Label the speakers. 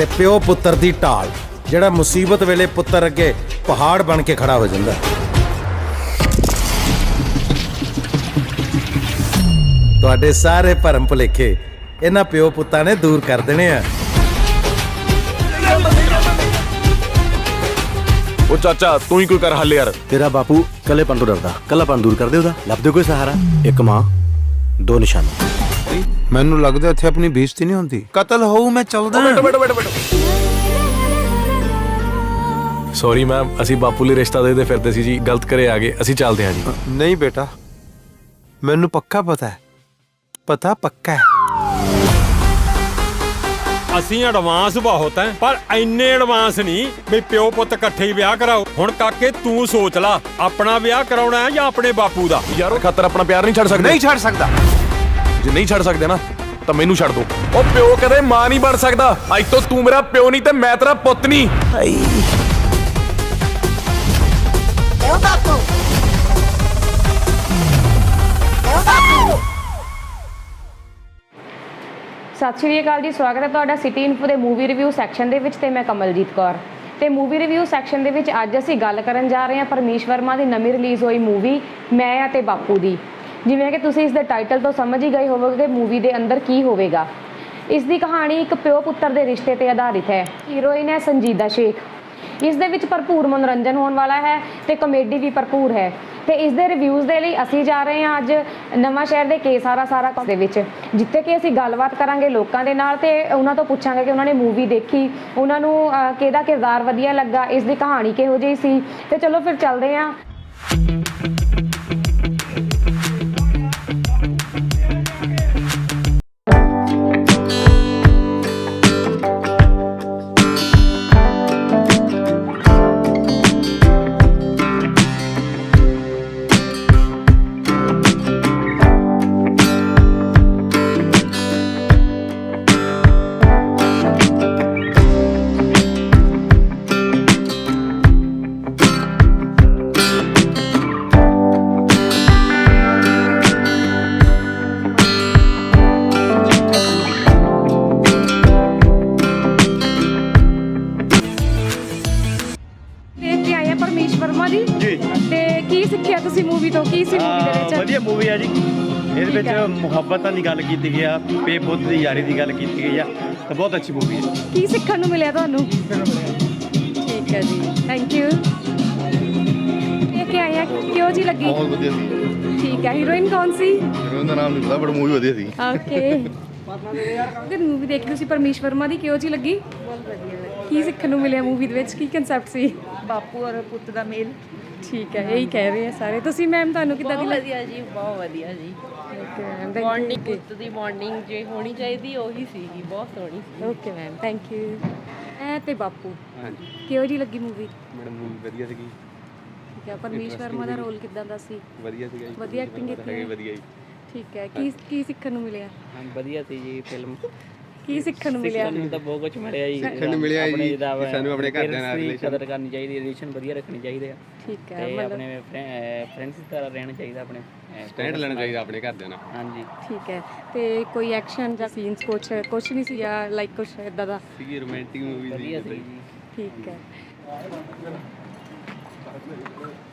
Speaker 1: ਤੇ ਪਿਓ ਪੁੱਤਰ ਦੀ ਢਾਲ, ਜਿਹੜਾ ਮੁਸੀਬਤ ਵੇਲੇ ਪੁੱਤਰ ਅੱਗੇ ਪਹਾੜ ਬਣ ਕੇ ਖੜਾ ਹੋ ਜਾਂਦਾ। ਤੁਹਾਡੇ ਸਾਰੇ ਭਰਮ ਭੁਲੇਖੇ ਇਹਨਾਂ ਪਿਓ ਪੁੱਤਾਂ ਨੇ ਦੂਰ ਕਰ ਦੇਣੇ ਆ।
Speaker 2: ਉਹ ਚਾਚਾ ਤੂੰ ਹੀ ਕੋਈ ਕਰ ਹੱਲ ਯਾਰ।
Speaker 3: ਤੇਰਾ ਬਾਪੂ ਕੱਲੇਪਨ ਤੋਂ ਡਰਦਾ, ਕੱਲਾਪਨ ਦੂਰ ਕਰ ਦੇ ਉਹਦਾ। ਲੱਭ ਦੇ ਕੋਈ ਸਹਾਰਾ। ਇੱਕ ਮਾਂ, ਦੋ ਨਿਸ਼ਾਨੇ।
Speaker 1: ਮੈਨੂੰ ਲੱਗਦਾ ਇੱਥੇ ਆਪਣੀ ਬੇਇੱਜ਼ਤੀ ਨਹੀਂ ਹੁੰਦੀ। ਕਤਲ ਹੋਊ ਮੈਂ ਚੱਲਦਾ।
Speaker 2: ਬੈਠੋ। ਸੌਰੀ ਮੈਮ, ਅਸੀਂ ਬਾਪੂ ਲਈ ਰਿਸ਼ਤਾ ਦੇਦੇ ਫਿਰਦੇ ਸੀ ਜੀ, ਗਲਤ ਕਰੇ ਆ ਗਏ, ਅਸੀਂ ਚੱਲਦੇ ਹਾਂ ਜੀ।
Speaker 1: ਨਹੀਂ ਬੇਟਾ, ਮੈਨੂੰ ਪੱਕਾ ਪਤਾ ਹੈ, ਪਤਾ ਪੱਕਾ ਹੈ।
Speaker 4: ਅਸੀਂ ਐਡਵਾਂਸ ਬਹੁਤ ਹੈ, ਪਰ ਇੰਨੇ ਐਡਵਾਂਸ ਨਹੀਂ ਵੀ ਪਿਓ ਪੁੱਤ ਇਕੱਠੇ ਹੀ ਵਿਆਹ ਕਰਾਓ। ਹੁਣ ਕਾਕੇ ਤੂੰ ਸੋਚ ਲਾ, ਆਪਣਾ ਵਿਆਹ ਕਰਾਉਣਾ ਹੈ ਜਾਂ ਆਪਣੇ ਬਾਪੂ ਦਾ।
Speaker 2: ਯਾਰ ਉਹ ਖਾਤਰ ਆਪਣਾ ਪਿਆਰ ਨਹੀਂ ਛੱਡ ਸਕਦੇ।
Speaker 1: ਨਹੀਂ ਛੱਡ ਸਕਦਾ।
Speaker 2: ਜੇ ਨਹੀਂ ਛੱਡ ਸਕਦੇ ਨਾ ਤਾਂ ਮੈਨੂੰ ਛੱਡ ਦੋ। ਉਹ ਪਿਓ ਕਦੇ ਮਾਂ ਨਹੀਂ ਬਣ ਸਕਦਾ। ਅੱਜ ਤੋਂ ਤੂੰ ਮੇਰਾ ਪਿਓ ਨਹੀਂ ਤੇ ਮੈਂ ਤੇਰਾ ਪੁੱਤ ਨਹੀਂ।
Speaker 5: ਸਤਿ ਸ਼੍ਰੀ ਅਕਾਲ ਜੀ, ਸਵਾਗਤ ਹੈ ਤੁਹਾਡਾ ਸਿਟੀ ਇਨਫੋ ਦੇ ਮੂਵੀ ਰਿਵਿਊ ਸੈਕਸ਼ਨ ਦੇ ਵਿੱਚ ਤੇ ਮੈਂ ਕਮਲਜੀਤ ਕੌਰ। ਤੇ ਮੂਵੀ ਰਿਵਿਊ ਸੈਕਸ਼ਨ ਦੇ ਵਿੱਚ ਅੱਜ ਅਸੀਂ ਗੱਲ ਕਰਨ ਜਾ ਰਹੇ ਹਾਂ ਪਰਮੀਸ਼ ਵਰਮਾ ਦੀ ਨਵੀਂ ਰਿਲੀਜ਼ ਹੋਈ ਮੂਵੀ ਮੈਂ ਅਤੇ ਬਾਪੂ ਦੀ। ਜਿਵੇਂ ਕਿ ਤੁਸੀਂ ਇਸ ਦੇ ਟਾਈਟਲ ਤੋਂ ਸਮਝ ਹੀ ਗਏ ਹੋਵੋਗੇ ਕਿ ਮੂਵੀ ਦੇ ਅੰਦਰ ਕੀ ਹੋਵੇਗਾ। ਇਸ ਦੀ ਕਹਾਣੀ ਇੱਕ ਪਿਓ ਪੁੱਤਰ ਦੇ ਰਿਸ਼ਤੇ ਤੇ ਆਧਾਰਿਤ ਹੈ। ਹੀਰੋਇਨ ਹੈ ਸੰਜੀਦਾ ਸ਼ੇਖ। ਇਸ ਦੇ ਵਿੱਚ ਭਰਪੂਰ ਮਨੋਰੰਜਨ ਹੋਣ ਵਾਲਾ ਹੈ ਤੇ ਕਮੇਡੀ ਵੀ ਭਰਪੂਰ ਹੈ। ਤੇ ਇਸ ਦੇ ਰਿਵਿਊਜ਼ ਦੇ ਲਈ ਅਸੀਂ ਜਾ ਰਹੇ ਹਾਂ ਅੱਜ ਨਵਾਂ ਸ਼ਹਿਰ ਦੇ ਸਾਰਾ ਦੇ ਵਿੱਚ, ਜਿੱਥੇ ਕਿ ਅਸੀਂ ਗੱਲਬਾਤ ਕਰਾਂਗੇ ਲੋਕਾਂ ਦੇ ਨਾਲ ਤੇ ਉਹਨਾਂ ਤੋਂ ਪੁੱਛਾਂਗੇ ਕਿ ਉਹਨਾਂ ਨੇ ਮੂਵੀ ਦੇਖੀ, ਉਹਨਾਂ ਨੂੰ ਕਿਹਦਾ ਕਿਰਦਾਰ ਵਧੀਆ ਲੱਗਾ, ਇਸ ਦੀ ਕਹਾਣੀ ਕਿਹੋ ਜਿਹੀ ਸੀ। ਤੇ ਚਲੋ ਫਿਰ ਚੱਲਦੇ ਹਾਂ। ਪਰਮੀਸ਼ ਵਰਮਾ ਦੀ ਜੀ, ਤੇ ਕੀ ਸਿੱਖਿਆ ਤੁਸੀਂ ਮੂਵੀ ਤੋਂ? ਕੀ ਸੀ ਮੂਵੀ ਦੇ ਵਿੱਚ?
Speaker 6: ਵਧੀਆ ਮੂਵੀ ਆ ਜੀ। ਇਹਦੇ ਵਿੱਚ ਮੁਹੱਬਤਾਂ ਦੀ ਗੱਲ ਕੀਤੀ ਗਈ ਆ, ਪੇ ਪੁੱਤ ਦੀ ਯਾਰੀ ਦੀ ਗੱਲ ਕੀਤੀ ਗਈ ਆ, ਤਾਂ ਬਹੁਤ ਅੱਛੀ ਮੂਵੀ ਹੈ।
Speaker 5: ਕੀ ਸਿੱਖਣ ਨੂੰ ਮਿਲਿਆ ਤੁਹਾਨੂੰ? ਠੀਕ ਹੈ ਜੀ, ਥੈਂਕ ਯੂ। ਇਹ ਕੀ ਆਇਆ, ਕਿਉਂ ਜੀ ਲੱਗੀ?
Speaker 7: ਬਹੁਤ ਵਧੀਆ ਸੀ।
Speaker 5: ਠੀਕ ਹੈ। ਹੀਰੋਇਨ ਕੌਣ ਸੀ?
Speaker 7: ਹੀਰੋਇਨ ਦਾ ਨਾਮ ਨਹੀਂ ਪਤਾ, ਬਟ ਮੂਵੀ ਵਧੀਆ ਸੀ।
Speaker 5: ਓਕੇ। ਤੇ ਮੂਵੀ ਦੇਖ ਤੁਸੀਂ ਪਰਮੀਸ਼ ਵਰਮਾ ਦੀ, ਕਿਉਂ ਜੀ ਲੱਗੀ? ਬਹੁਤ ਵਧੀਆ। ਕੀ ਸਿੱਖਣ ਨੂੰ ਮਿਲਿਆ ਮੂਵੀ ਦੇ ਵਿੱਚ? ਕੀ ਕਨਸੈਪਟ ਸੀ?
Speaker 8: ਬਾਪੂ ਔਰ ਪੁੱਤ ਦਾ ਮੇਲ।
Speaker 5: ਠੀਕ ਹੈ, ਇਹੀ ਕਹਿ ਰਹੇ ਆ ਸਾਰੇ। ਤੁਸੀਂ ਮੈਮ ਤੁਹਾਨੂੰ ਕਿੱਦਾਂ ਦੀ ਲੱਗੀ?
Speaker 8: ਵਧੀਆ ਜੀ, ਬਹੁਤ ਵਧੀਆ ਜੀ।
Speaker 5: ਓਕੇ ਮੈਮ,
Speaker 8: ਬੌਂਡਿੰਗ ਪੁੱਤ ਦੀ ਬੌਂਡਿੰਗ ਜੇ ਹੋਣੀ ਚਾਹੀਦੀ ਉਹੀ ਸੀਗੀ, ਬਹੁਤ ਸੋਹਣੀ ਸੀ।
Speaker 5: Okay ma'am, thank you. ਐ ਤੇ ਬਾਪੂ, ਹਾਂਜੀ, ਕਿਉਂ ਜੀ ਲੱਗੀ ਮੂਵੀ?
Speaker 9: ਮੈਡਮ ਮੂਵੀ ਵਧੀਆ ਸੀਗੀ।
Speaker 5: ਠੀਕ ਹੈ। ਪਰਮੀਸ਼ ਵਰਮਾ ਦਾ ਰੋਲ ਕਿੱਦਾਂ ਦਾ ਸੀ?
Speaker 9: ਵਧੀਆ ਸੀਗਾ ਜੀ।
Speaker 5: ਵਧੀਆ ਐਕਟਿੰਗ ਕੀਤੀ ਹੈ?
Speaker 9: ਵਧੀਆ ਜੀ।
Speaker 5: ਠੀਕ ਹੈ। ਕੀ ਸਿੱਖਣ ਨੂੰ ਮਿਲਿਆ?
Speaker 10: ਹਾਂ ਵਧੀਆ ਸੀ ਜੀ ਫਿਲਮ।
Speaker 5: ਕੀ ਸਿੱਖਣ ਨੂੰ ਮਿਲਿਆ?
Speaker 10: ਸਾਨੂੰ ਤਾਂ ਬਹੁਤ ਕੁਝ ਮਿਲਿਆ ਜੀ।
Speaker 9: ਸਿੱਖਣ ਨੂੰ ਮਿਲਿਆ ਜੀ, ਸਾਨੂੰ ਆਪਣੇ ਘਰਦਿਆਂ ਨਾਲ
Speaker 10: ਰਿਲੇਸ਼ਨ ਕਦਰ ਕਰਨੀ ਚਾਹੀਦੀ, ਰਿਲੇਸ਼ਨ ਵਧੀਆ ਰੱਖਣੇ ਚਾਹੀਦੇ ਆ।
Speaker 5: ਠੀਕ ਹੈ।
Speaker 10: ਤੇ ਆਪਣੇ ਫਰੈਂਡਸ ਦੀ ਤਰ੍ਹਾਂ ਰਹਿਣਾ ਚਾਹੀਦਾ, ਆਪਣੇ
Speaker 9: ਸਟੈਂਡ ਲੈਣਾ ਚਾਹੀਦਾ ਆਪਣੇ ਘਰਦਿਆਂ ਨਾਲ।
Speaker 10: ਹਾਂਜੀ
Speaker 5: ਠੀਕ ਹੈ। ਤੇ ਕੋਈ ਐਕਸ਼ਨ ਜਾਂ ਸੀਨਸ ਕੁਛ ਨਹੀਂ ਸੀ ਜਾਂ ਲਾਈਕ ਕੁਛ ਇਦਾਂ ਦਾ?
Speaker 9: ਸੀਗੀ ਰੋਮਾਂਟਿਕ ਮੂਵੀ
Speaker 10: ਵਧੀਆ ਸੀ ਜੀ।
Speaker 5: ਠੀਕ ਹੈ।